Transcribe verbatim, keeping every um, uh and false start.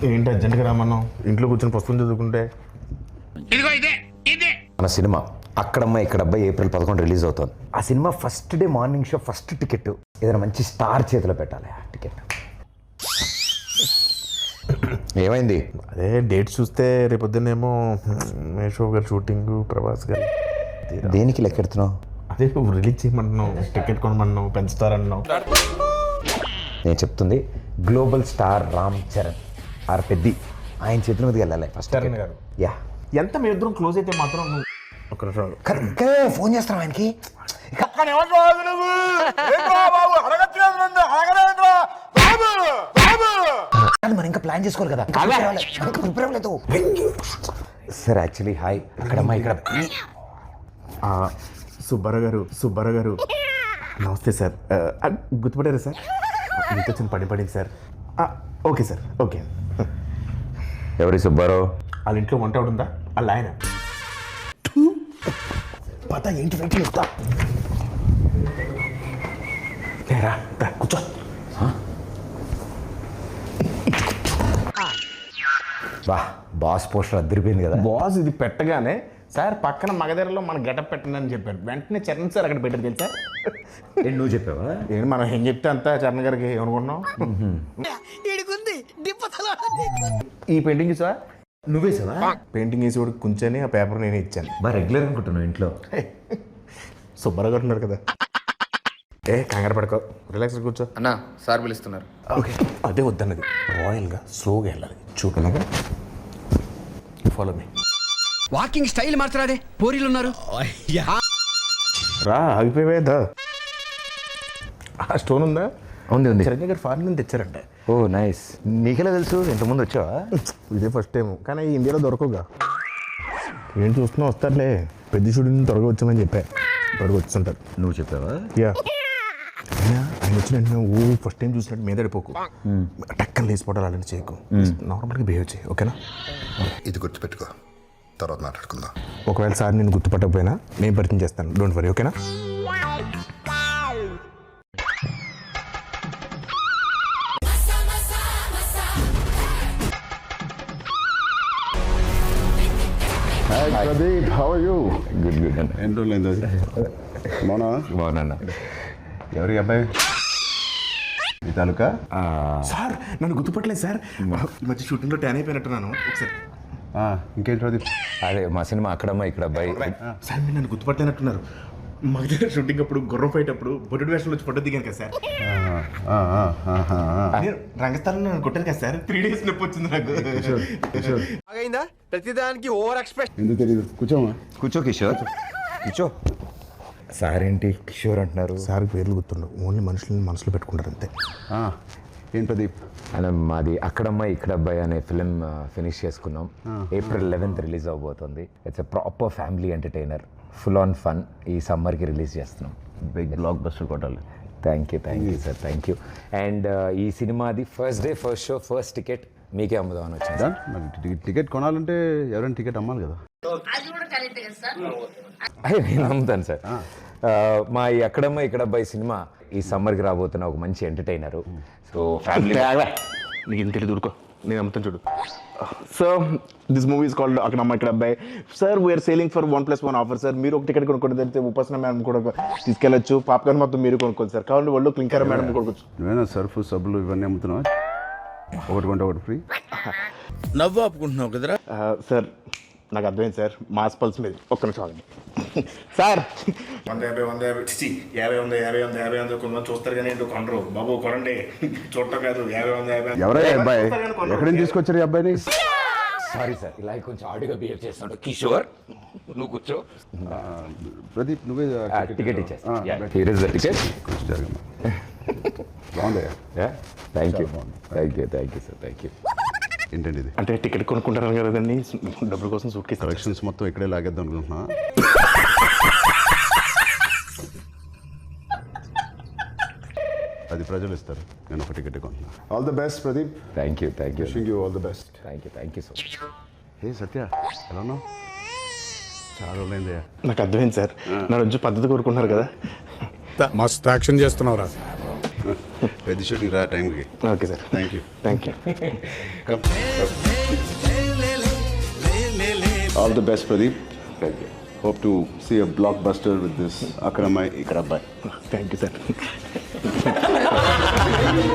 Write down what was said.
ఏంటి అర్జెంట్గా రామన్నాం? ఇంట్లో కూర్చొని పుస్తకం చదువుకుంటే. మన సినిమా అక్కడమ్మ ఇక్కడ అబ్బాయి ఏప్రిల్ పదకొండు రిలీజ్ అవుతుంది. ఆ cinema first day morning show first ticket ఏదైనా మంచి స్టార్ చేతిలో పెట్టాలి. ఆ టికెట్ ఏమైంది? అదే డేట్ చూస్తే రేపొద్దునేమో మేషో గారు షూటింగ్, ప్రభాస్ గారు. దేనికి లెక్కెడుతున్నావు? అదే నువ్వు రిలీజ్ చేయమంటున్నావు, టికెట్ కొనమన్నావు, పెంచుతారన్నావు. నేను చెప్తుంది global star Ram Charan R Peddi ఆయన చేతుల మీదకి వెళ్ళాలి ఫస్ట్. చరణ్ గారు యా ఎంత మీ ఇద్దరం క్లోజ్ అయితే మాత్రం నువ్వు ఒక ఇంకా ఫోన్ చేస్తాను ఆయనకి. మనం ఇంకా ప్లాన్ చేసుకోవాలి కదా. సార్ యాక్చువల్లీ హాయ్ అక్కడమ్మా ఇక్కడ సుబ్బారావు గారు సుబ్బారావు గారు నమస్తే సార్. గుర్తుపడారా సార్? ఇంత చిన్న పడి పడింది సార్. Okay sir okay. ఎవరి సుబ్బారావు? వాళ్ళ ఇంట్లో వంట ఉందా? వాళ్ళ ఆయన పత ఏంటి వెంటనే వస్తా లేరా కూర్చో. బా బాస్ పోస్టర్ అద్దరిపోయింది కదా. బాస్ ఇది పెట్టగానే సార్ పక్కన మగధరలో మన గెటప్ పెట్టండి అని చెప్పాడు. వెంటనే చరణ్ సార్ అక్కడ పెట్టారు తెలుసా? నువ్వు చెప్పావా? ఏంటి మనం ఏం చెప్తే అంతా చరణ్ గారికి ఏమనుకుంటున్నాం? ఈ పెయింటింగ్ సార్ నువ్వే సార్ పెయింటింగ్ వేసి కూడా కూర్చొని ఆ పేపర్ నేను ఇచ్చాను. బా రెగ్యులర్ అనుకుంటున్నావు ఇంట్లో. సుబ్బారావు గారు ఉన్నారు కదా. ఏ కంగారు పడుకో, రిలాక్స్ కూర్చో. అన్నా సార్ పిలుస్తున్నారు. ఓకే అదే వద్దన్నది, రాయల్గా స్లోగా వెళ్ళాలి. చూపలాగా ఫాలో మీ. వాకింగ్ స్టైల్ మార్చరాదే, పోరీలు ఉన్నారు. రా ఆగిపోయేదా? ఆ స్టోన్ ఉందా? ఉంది ఉంది. చిరంజీవి గారు ఫారెన్ నుంచి తెచ్చారంట. ఓ నైస్. నీకెలా తెలుసు? ఇంతకుముందు వచ్చావా? ఇదే ఫస్ట్ టైం, కానీ ఇండియాలో దొరకవుగా. ఏం చూస్తున్నా వస్తారులే, పెద్ద షూటింగ్ త్వరగా వచ్చామని చెప్పా. త్వరగా వచ్చుంటారు. నువ్వు చెప్పావా? యా అయినా ఆయన వచ్చిన వెంటనే ఓ ఫస్ట్ టైం చూసినట్టు మీద పడిపోకు, టక్కన లేచిపోవడాలు అలాంటి చేయకు, నార్మల్గా బిహేవ్ చేయి. ఓకేనా? ఇది గుర్తుపెట్టుకో, తర్వాత మాట్లాడుకుందాం. ఒకవేళ సార్ నేను గుర్తుపట్టకపోయినా నేను పరిచయం చేస్తాను, డోంట్ వరీ. ఓకేనా? Pradeep, how are you? Good good అన్న. ఎన్ని రోజులు మౌనా? బాగున్నా. ఎవరి అబ్బాయి? ఈ తాలూకా? సార్ నన్ను గుర్తుపట్టలేదు సార్, ఈ మధ్య షూటింగ్లో ట్యాన్ అయిపోయినట్టున్నాను. ఒకసారి ఇంకేంటి ప్రదీప్? అదే మా సినిమా అక్కడమ్మ ఇక్కడ అబ్బాయి. సార్ మీరు నన్ను గుర్తుపట్టలేనట్టున్నారు. మా దగ్గర షూటింగ్ అప్పుడు గుర్రం ఫైట్ అప్పుడు బొడ్డు వేషంలో వచ్చి ఫోటో దిగాను కదా సార్. నేను రంగస్థలంలో నన్ను కొట్టాను కదా సార్. త్రీ డేస్ నొప్పి వచ్చింది నాకు. ప్రతిదానికి ఓవర్ ఎక్స్ప్రెషన్. ఎందుకు తెలియదు, కూర్చోమా. కూర్చో కిషోర్, కూర్చో. సార్ ఏంటి కిషోర్ అంటున్నారు? సార్ పేర్లు గుర్తుండవు, ఓన్లీ మనుషులని మనసులో పెట్టుకుంటారు అంతే. ఏం ప్రదీప్? అలా మాది అక్కడమ్మ ఇక్కడ అబ్బాయి అనే ఫిలిం ఫినిష్ చేసుకున్నాం. ఏప్రిల్ లెవెన్త్ రిలీజ్ అవబోతుంది. It's a proper family entertainer, full on fun. ఈ సమ్మర్కి రిలీజ్ చేస్తున్నాం. బిగ్ బ్లాక్ బస్టర్ కొట్టాలి. Thank you thank you sir, thank you. And ఈ సినిమాది first day first show first ticket మీకే అమ్ముదామని వచ్చింది. మరి టికెట్ కొనాలంటే ఎవరైనా టికెట్ అమ్మాలి కదా. అయ్యో నేను అమ్ముతాను సార్. మా ఈ అక్కడమ్మ ఇక్కడ అబ్బాయి సినిమా ఈ సమ్మర్కి రాబోతున్న ఒక మంచి ఎంటర్టైనరు. సో ఫ్యామిలీ నీకు ఇంత తెలియదు, ఊరుకో, నేను అమ్ముతాను చూడు. So this movie is called Akkadamma Ikkada Abbayi. Sir we're selling for one plus one offer sir. మీరు ఒక టికెట్ కొనుక్కోండి, తెలిస్తే ఉపాసన మేడం కూడా తీసుకెళ్ళచ్చు. పాప్కార్న్ మొత్తం మీరు కొనుక్కోండి సార్. కావాలి వాళ్ళు క్లింకర్ మేడం కొనుక్కోవచ్చు. నువ్వేనా సర్ఫ్ సబ్బులు ఇవన్నీ అమ్ముతున్నావా? ఒకటి కొంటే ఒకటి ఫ్రీ. నవ్వు ఆపుకుంటున్నావు కదరా సార్. నాకు అర్థమైంది సార్, మాస్ పల్స్ మీద. ఒక్క నిమిషం ఆగండి సార్. వంద యాభై వంద యాభై చి యాభై వంద యాభై వంద యాభై వంద కొంతమంది చూస్తారు కానీ ఏంటో కొనరు బాబు. కొనండి, చూడటం కాదు. యాభై వంద యాభై ఎవరై అబ్బాయి? ఎక్కడి నుంచి తీసుకొచ్చారు ఈ అబ్బాయిని? సారీ సార్, ఇలా కొంచెం ఆడిగా బిహేవ్ చేస్తాడు. కిషోర్ నువ్వు కూర్చో. ప్రదీప్ నువ్వే టికెట్ ఇచ్చేస్తా. జరగమ్మా. బాగుంది. Thank you thank you thank you sir, thank you. ఏంటండి ఇది? అంటే టికెట్ కొనుక్కుంటారు కదండి, డబ్బుల కోసం సూట్ కేసు కలెక్షన్స్ మొత్తం ఇక్కడే లాగేద్దాం అనుకుంటున్నా. అది ప్రజలు ఇస్తారు, నేను ఒక టికెట్ కొంటున్నా. All the best Pradeep. Thank you thank you wishing you all the best. Thank you thank you so much. Hey Satya, ఎలా ఉన్నావు? చాలా రోజులైంది. నాకు అర్థమైంది సార్, నా రోజు పద్ధతి కోరుకుంటున్నారు కదా. మస్తు యాక్షన్ చేస్తున్నావురా. పెద్ద షూటింగ్ రా టైంకి. Okay sir, thank you. Thank you. Come. All the best, Pradeep. Thank you. Hope to see a blockbuster with this Akramai Ikrabbai. Thank you sir.